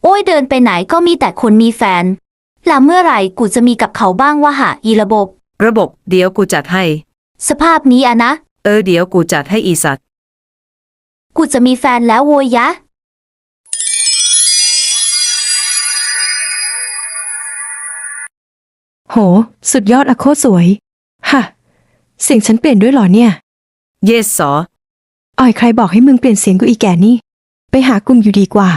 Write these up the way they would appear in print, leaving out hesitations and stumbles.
อ้ยเดินไปไหนก็มีแต่คนมีแฟนแล้วเมื่อไหร่กูจะมีกับเขาบ้างวะหะอีระบบเดี๋ยวกูจัดให้สภาพนี้อะนะเดี๋ยวกูจัดให้อีสัตว์กูจะมีแฟนแล้วโวยยะโหสุดยอดอะโคตรสวยฮะเสียงฉันเปลี่ยนด้วยเหรอเนี่ย Yes สออ่อยใครบอกให้มึงเปลี่ยนเสียงกูอีแก่นี่ไปหากลุ่มอยู่ดีกว่า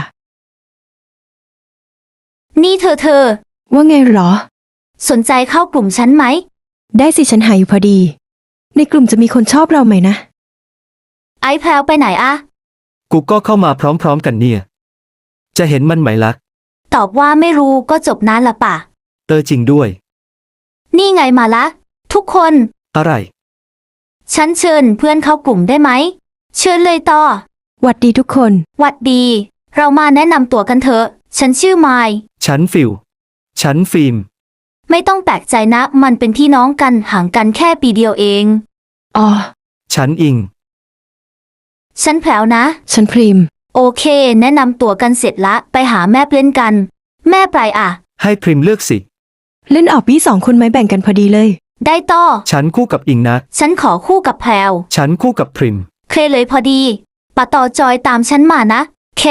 นี่เธอว่าไงหรอสนใจเข้ากลุ่มฉันไหมได้สิฉันหาอยู่พอดีในกลุ่มจะมีคนชอบเราไหมนะไอ้แพลวไปไหนอะกูก็เข้ามาพร้อมๆกันเนี่ยจะเห็นมันไหมล่ะตอบว่าไม่รู้ก็จบนะละป่ะจริงด้วยนี่ไงมาละทุกคนอะไรฉันเชิญเพื่อนเข้ากลุ่มได้ไหมเชิญเลยต่อหวัดดีทุกคนหวัดดีเรามาแนะนำตัวกันเถอะฉันชื่อไมล์ฉันฟิลฉันฟิล์มไม่ต้องแปลกใจนะมันเป็นพี่น้องกันห่างกันแค่ปีเดียวเองอ๋อฉันอิงฉันแพลวนะฉันพริมโอเคแนะนำตัวกันเสร็จละไปหาแม่เล่นกันแม่ไปอะให้พริมเลือกสิเล่นออกพี่สองคนไหมแบ่งกันพอดีเลยได้ต่อฉันคู่กับอิงนะฉันขอคู่กับแพลวฉันคู่กับพริมเคเลยพอดีปะต่อจอยตามฉันมานะเค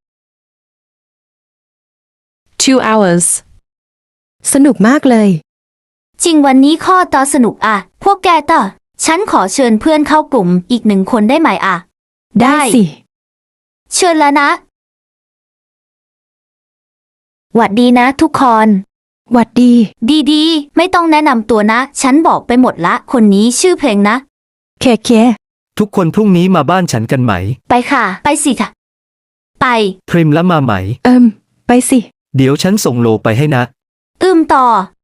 2 hours สนุกมากเลยจริงวันนี้ข้อต่อสนุกอะพวกแกต่อฉันขอเชิญเพื่อนเข้ากลุ่มอีก1 คนได้ไหมอะได้สิเชิญแล้วนะหวัดดีนะทุกคนหวัดดีดีไม่ต้องแนะนำตัวนะฉันบอกไปหมดละคนนี้ชื่อเพลงนะเคทุกคนพรุ่งนี้มาบ้านฉันกันไหมไปค่ะไปสิค่ะไปพริมแล้วมาไหมไปสิเดี๋ยวฉันส่งโลไปให้นะต่อ